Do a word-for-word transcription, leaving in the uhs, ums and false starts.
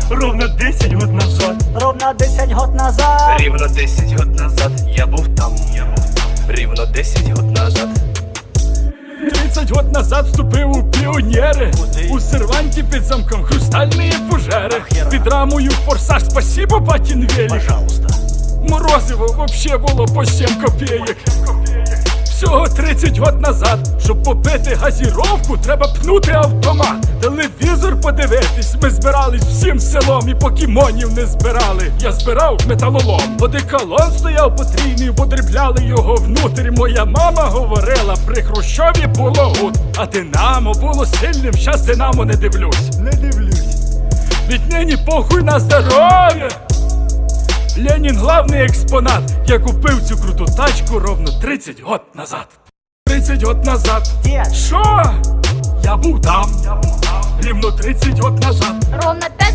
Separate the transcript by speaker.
Speaker 1: Ровно десять год назад.
Speaker 2: Ровно десять год назад.
Speaker 1: Рівно десять год назад. Я був там, я був там. Рівно десять год назад.
Speaker 3: тридцять год назад вступив у піонери. У серванті під замком хрустальні фужери. Під рамою форсаж, спасибо, батін велик.
Speaker 2: Пожалуйста.
Speaker 3: Морозиво вообще було по сім копійок. Всього тридцять год назад. Щоб попити газіровку, треба пнути автомат. Телевізор подивитись, ми збирались всім селом і покемонів не збирали. Я збирав металолом. Одеколон стояв потрійний, бо дрібляли його внутрі. Моя мама говорила, при Хрущові було гуд. А Динамо було сильним, щас Динамо не дивлюсь.
Speaker 2: Не дивлюсь.
Speaker 3: Віднині похуй на здоров'я. Ленін главний експонат. Я купив цю круту тачку ровно тридцять год назад. тридцять год назад.
Speaker 2: Дед.
Speaker 3: Що? Я був там. Рівно тридцять год назад.
Speaker 4: Ровно пять